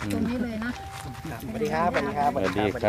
ตรงนี้เลยนะสวัสดีครับสวัสดีครับสวัสดีครับ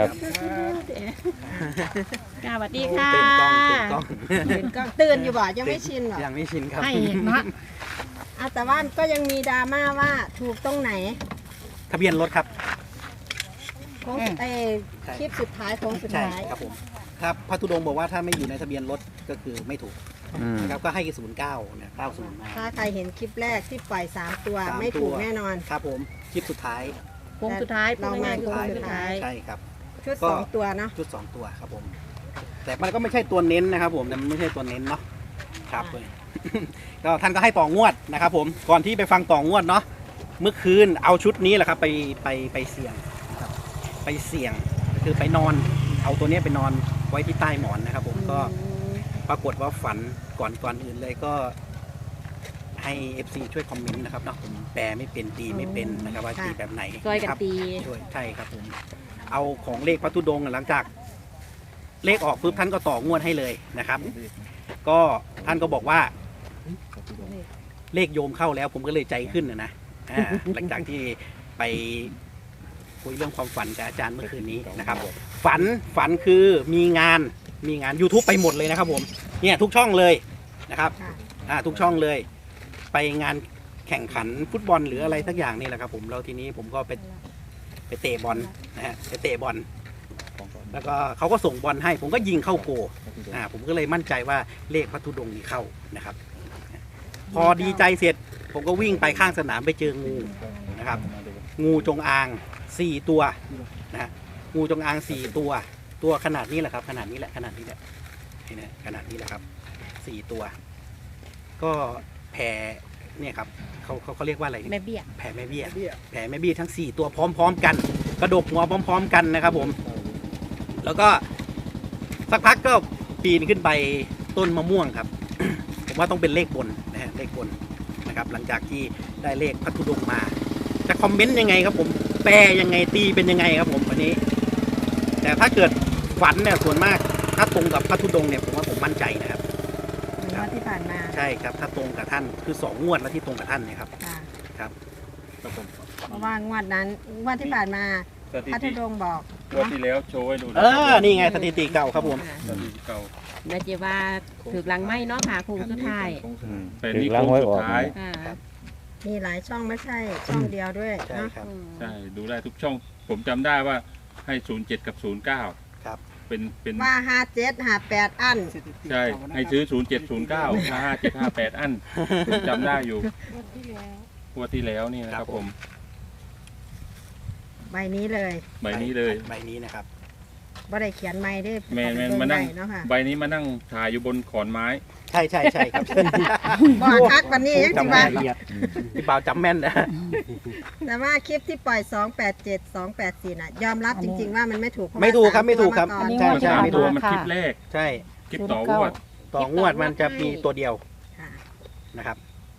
สวัสดีค่ะตื่นกล้องตื่นอยู่บ่ยังไม่ชินหรอยังไม่ชินครับให้เห็นนะแต่ว่าก็ยังมีดราม่าว่าถูกตรงไหนทะเบียนรถครับของคลิปสุดท้ายของสุดใช่ท้ายครับผมครับพระธุดงค์บอกว่าถ้าไม่อยู่ในทะเบียนรถก็คือไม่ถูกอืมนะครับก็ให้09เนี่ย90มาถ้าใครเห็นคลิปแรกที่ปล่อย3ตัวสามไม่ถูกตัวแน่นอนครับผมคลิปสุดท้ายโค้งสุดท้ายเรามาสุโค้ดงท้ายสุดท้ายใช่ครับชุดก็ 2ตัวเนาะชุด2ตัวครับผมแต่มันก็ไม่ใช่ตัวเน้นนะครับผมแต่มันไม่ใช่ตัวเน้นเนาะครับเลย ก็ท่านก็ให้ต่องวดนะครับผมก่อนที่ไปฟังต่องวดเนาะเมื่อคืนเอาชุดนี้แหละครับไปเสี่ยงนะครับไปเสี่ยงคือไปนอนเอาตัวนี้ไปนอนไว้ที่ใต้หมอนนะครับผมก็ปรากฏว่าฝันก่อนอื่นเลยก็ให้ FC ช่วยคอมเมนต์นะครับเนาะผมแปลไม่เป็นตีไม่เป็นนะครับว่าตีแบบไหนซอยกันะครับ ตีช่วยใช่ครับผมเอาของเลขพระธุดงค์หลังจากเลขออกปุ๊บท่านก็ต่องวดให้เลยนะครับ ก็ท่านก็บอกว่าเลขโยมเข้าแล้วผมก็เลยใจขึ้นนะหลังจากที่ไปคุยเรื่องความฝันกับอาจารย์เมื่อคืนนี้นะครับ ฝันคือมีงาน YouTube ไปหมดเลยนะครับผมเนี่ยทุกช่องเลยนะครับ ทุกช่องเลย ไปงานแข่งขันฟุตบอลหรืออะไรสักอย่างนี่แหละครับผมแล้วทีนี้ผมก็ไปเตะบอลนะฮะไปเตะบอลแล้วก็เขาก็ส่งบอลให้ ผมก็ยิงเข้าโกผมก็เลยมั่นใจว่าเลขพระธุดงค์นี้เข้านะครับ พอดีใจเสร็จผมก็วิ่งไปข้างสนามไปเจองูนะครับ งูจงอาง4ตัวนะฮะงูจงอาง4ตัวขนาดนี้แหละครับ ขนาดนี้แหละนี่นะขนาดนี้แหละครับ4ตัว ก็แผ่เนี่ยครับเขาเรียกว่าอะไรแม่เบี้ยแผ่แม่เบี้ยทั้ง4ตัวพร้อมๆกัน กระดกหัวพร้อมๆกันนะครับผมแล้วก็สักพักก็ปีนขึ้นไปต้นมะม่วงครับ ผมว่าต้องเป็นเลขบนนะฮะเลขบนนะครับหลังจากที่ได้เลขพระธุดงค์มาจะคอมเมนต์ยังไงครับผมแปลยังไงตีเป็นยังไงครับผมวันนี้ แต่ถ้าเกิดฝันเนี่ยส่วนมากถ้าตรงกับพระธุดงค์เนี่ยผมว่าผมมั่นใจนะครับเหมือนว่าที่ผ่านมาใช่ครับถ้าตรงกับท่านคือ2งวดแล้วที่ตรงกับท่านเนี่ยครับค่ะครับเพราะว่างวดนั้นงวดที่ผ่านมาสถิพระธุติดงค์บอกงวดที่แล้วโชว์ให้ดูนี่ไงสถิติเก่าครับผมสถิติเก่าแม่เจว่าถือหลังไม้เนาะค่ะโคงสุดท้ายเป็นนี่โค้งสุดท้ายค่ะมีหลายช่องไม่ใช่ช่องเดียวด้วยใช่เนาะครับใช่ดูได้ทุกช่อง ผมจำได้ว่าให้ 07 กับ 09 ครับเป็นว่า57 58อันใช่ให้ซื้อ 07 09 57 58 อันผมจำได้อยู่งวดที่แล้วนี่นะครับผมใบนี้เลยใบนี้เลยใบนี้นะครับบ่ได้เขียนไม่ได้แมนมานั่งเนาะค่ะใบนี้มานั่งถ่ายอยู่บนขอนไม้ใช่ครับบ่คักวันนี้ยังจำสิแม่ว่านละเอียดพี่บ่าวจำแม่นนะแต่ว่าคลิปที่ปล่อย 287 284น่ะ ยอมรับจริง ๆ ว่ามันไม่ถูกเพาะว่าไม่ถูกครับสาไม่ถูกครับตัวมาใช่ก่อนใช่สามไม่ตัถูวกมันคลิปแรกใช่คลิปต่องวดต่องวดมันจะมีตัวเดียวค่ะนะครับ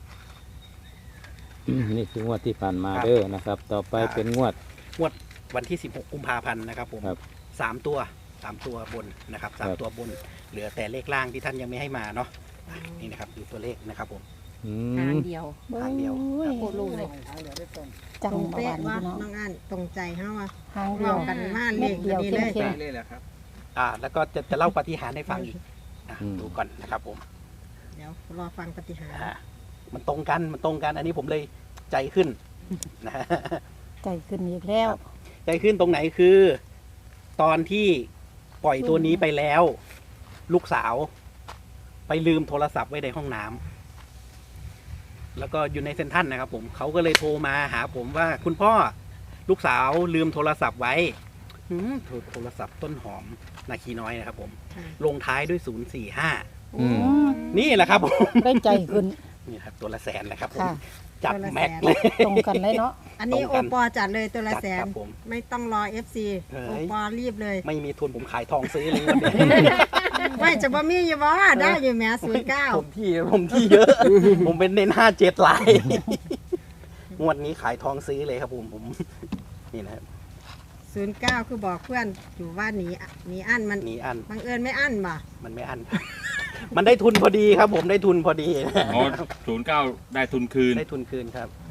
นี่คืองวดที่ผ่านมาครับเด้อนะครับ ต่อไปเป็นงวดวันที่16กุมภาพันธ์นะครับผมครับ 3ตัวบนนะครับครับ 3ตัวบน เหลือแต่เลขล่างที่ท่านยังไม่ให้มาเนาะนี่นะครับคือตัวเลขนะครับผมอืทางมเดียวทางเดียวโคตรรู้เลยจังตรงหวะเป๊ะนี้ว่าเนาะน้องอันตรงใจเฮาว่าทางเดีรยววมกันมาเลเม็ขดเดียวนี้เลยเข้มแล้วก็จะเล่าปาฏิหาริย์ให้ฟังอีกดูก่อนนะครับผมเดี๋ยวรอฟังปฏิหารย์มันตรงกันอันนี้ผมเลยใจขึ้นนะฮะใจขึ้นอีกแล้วใจขึ้นตรงไหนคือ ตอนที่ปล่อยตัวนี้ไปแล้ว ลูกสาว ไปลืมโทรศัพท์ไว้ในห้องน้ำแล้วก็อยู่ในเซ็นทรัลนะครับผมเขาก็เลยโทรมาหาผมว่าคุณพ่อลูกสาวลืมโทรศัพท์ไว้โทรศัพท์ต้นหอมนาคีน้อยนะครับผมค่ะลงท้ายด้วย045 อืมนี่แหละครับผมได้ใจขึ้นนี่ครับตัวละแสนแหละครับผมค่ะจัดแม็กเลยตรงกันเลยเนาะอันนี้ตรงโอกันปอจัดเลยตัวละจัดแสคน รับผมไม่ต้องรอ FC เฮ้ยโอปอรีบเลยไม่มีทุนผมขายทองซื้อเลยวันนี้ไม่จะบ่มีอยู่บ่ได้อยู่แหม้ผมที่เยอะ ผมเป็นเน้น57ลาย งวดนี้ขายทองซื้อเลยครับผมนี่นะครับ 09คือบอกเพื่อนอยู่ว่าหนีอั้นมันหนีอันบังเอิญไม่อั้นบ่มันไม่อัน มันได้ทุนพอดีครับ ผมได้ทุนพอดีอ๋อ09 ได้ทุนคืนได้ทุนคืนครับ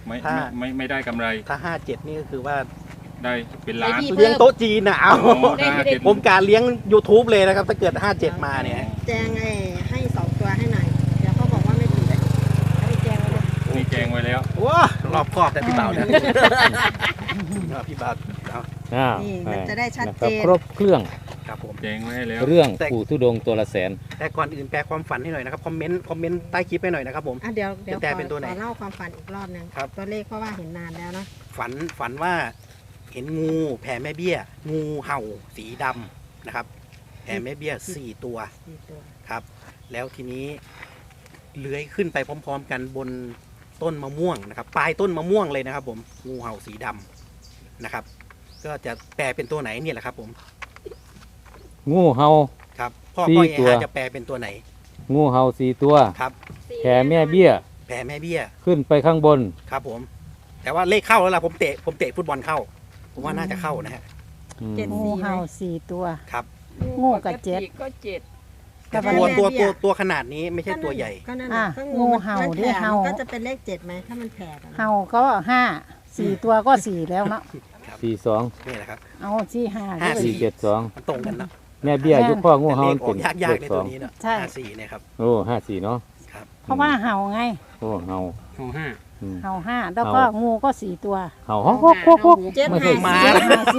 ไม่ได้กำไรถ้า 57 นี่ก็คือว่าได้เป็นล้านเลี้ยงโต๊ะจีนนะเอาโอ้ได้เจ็ดผมการเลี้ยง YouTube เลยนะครับ ถ้าเกิด 57 มาเนี่ยแจงให้2 ตัวให้หน่อย เดี๋ยวเขาบอกว่าไม่ถูกให้แจงไว้เลยมีแจงไว้แล้วว้ารอบครอบแต่พี่เบาเนี่ยพี่เบาเอานี่มันจะได้ชัดเจนนะครับครบเครื่องครับผมแจงไว้ให้แล้วเรื่องปู่ธุดงค์ตัวละแสนแต่ก่อนอื่นแปลความฝันให้หน่อยนะครับ คอมเมนต์ใต้คลิปให้หน่อยนะครับผมอ่ะเดี๋ยวจะแปลเป็นตัวไหนขอเล่าความฝันอีกรอบหนึงครับตัวเลขเพราะว่าเห็นนานแล้วเนาะฝันว่าเห็นงูแผ่แม่เบี้ย งูเห่าสีดำนะครับ แผ่แม่เบี้ย 4 ตัว 4 ตัวครับ แล้วทีนี้เลื้อยขึ้นไปพร้อมๆกันบนต้นมะม่วงนะครับ ปลายต้นมะม่วงเลยนะครับ ผมงูเห่าสีดำนะครับ ก็จะแปลเป็นตัวไหนเนี่ยแหละครับ ผมงูเห่าครับพ่อสี่พ่อเอตัวฮาจะแปลเป็นตัวไหนงูเห่า4 ตัวครับแผ่แม่เบี้ยแผ่แม่เบี้ยขึ้นไปข้างบนครับผม แต่ว่าเลขเข้าแล้วล่ะผมเตะฟุตบอลเข้า ผมว่าน่าจะเข้านะฮะอืมงูเห่า4 ตัวครับงูกับเจ็ดก็เจ็ดแต่แต่ตัวว่าตัวขนาดนี้ไม่ใช่ตัวใหญ่ก็นั่นอ่ะน่ะก็งูเห่ามันด้วยแผ่เห่าก็จะเป็นเลข7ไหมถ้ามันแผ่กันเห่าก็5 4 ตัวก็ 4 แล้วเนาะ 42 นี่แหละครับเอาที่5 ห้าด้วยสี่ 472 มันตรงกันเนาะแม่เบี้ยยุคพ่องูแต่เห่าเลขอเป็อน กยากๆในตัวนี้ 72 เนาะใช่ 54เนี่ยครับโอ้54เนาะครับเพราะว่าเห่าไงโอ้เห่าของห้าอืมเห่า5แล้วก็งูก็ 4 ตัวเห่าฮอกฮอกฮอกฮอกเจ็ดไม่เคยห้ามาสี่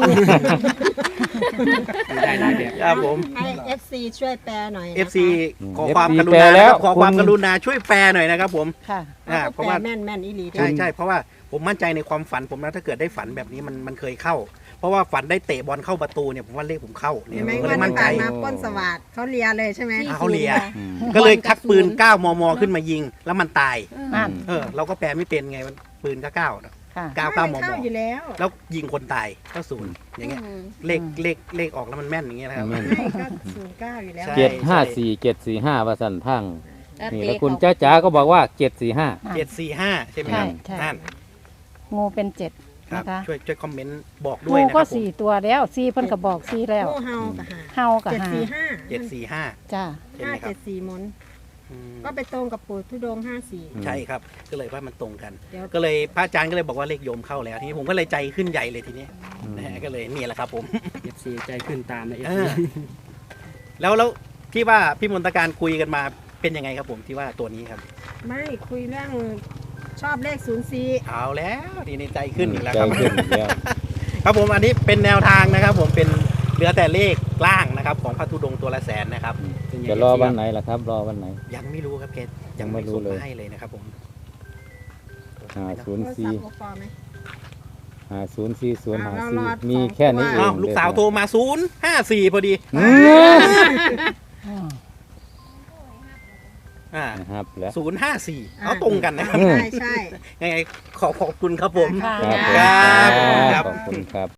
ได้หลายแบบครับผมให้ FC ช่วยแปลหน่อยนะคะ FC ขอความกรุณานะครับขอความกรุณาช่วยแปลหน่อยนะครับผมค่ะเขาเพก็ราะแปลว่าแม่นอีหลีด้วใช่ยใช่เพราะว่าผมมั่นใจในความฝันผมนะถ้าเกิดได้ฝันแบบนี้มันเคยเข้า เพราะว่าฝันได้เตะบอลเข้าประตูเนี่ยผมว่าเลขผมเข้าเนี่ยเห็นไหมผมก็ว่าเลยมั่นใจต่างมาปล้นสวัสดเขาเลียเลยใช่ไหมเขาเลียอืมก็เลยชักปืน 9 มม ขึ้นมายิง แล้วมันตายนั่นเราก็แปลไม่เป็นไงมันปืนก็9นะค่ะ 9 มมเข้าอยู่แล้วแล้วยิงคนตายก็ศูนย์อย่างเงี้ยเลขออกแล้วมันแม่นอย่างเงี้ยนะครับแม่นใช่ก็09อยู่แล้วใช่ 754 745ว่าสั่นทั้งนี่แล้วคุณจ้าจ๋าก็บอกว่า 745 745 ใช่ไหมครับใช่นั่นงูเป็น7 ครับนะคะช่วยคอมเมนต์บอกด้วงูยนะคก็รับผม 4 ตัวแล้ว4เพิ่นก็บอก4แล้วงูเห่ากับหาเห่ากับ5 745 จ้าใช่ไหมครับ 574มนอืมก็ไปตรงกับปู่ทุดงค์54 ใช่ครับ ก็เลยว่ามันตรงกันเดี๋ยวก็เลยพระอาจารย์ก็เลยบอกว่าเลขโยมเข้าแล้วทีนี้ผมก็เลยใจขึ้นใหญ่เลยทีนี้นะฮะก็เลยนี่แหละครับผม FC ใจขึ้นตามนะเอ FC อแล้วที่ว่าพี่มนตการคุยกันมาเป็นยังไงครับผมที่ว่าตัวนี้ครับไม่คุยเรื่องชอบเลข04 เอาแล้วทีนี้ใจขึ้นอีกแล้วใจครับขึ้นอีกแล้วครับผมอันนี้เป็นแนวทางนะครับ ผมเป็นเหลือแต่เลขล่างนะครับ ของพระธุดงค์ตัวละแสนนะครับจะรอวันไหนล่ะครับ รอวันไหนยังไม่รู้ครับเกศยังไม่รู้เลยส่งาให้เลยนะครับผมโทรศัพท์โอปอไหม 504054มีแค่นี้เออ้าวงลูกสาวโทรมา054พอดีอืม นะครับแล้ว 054เอาตรงกันนะครับอืมใช่ยังไงขอบคุณครับผมค่ะครับครับขอบคุณครับ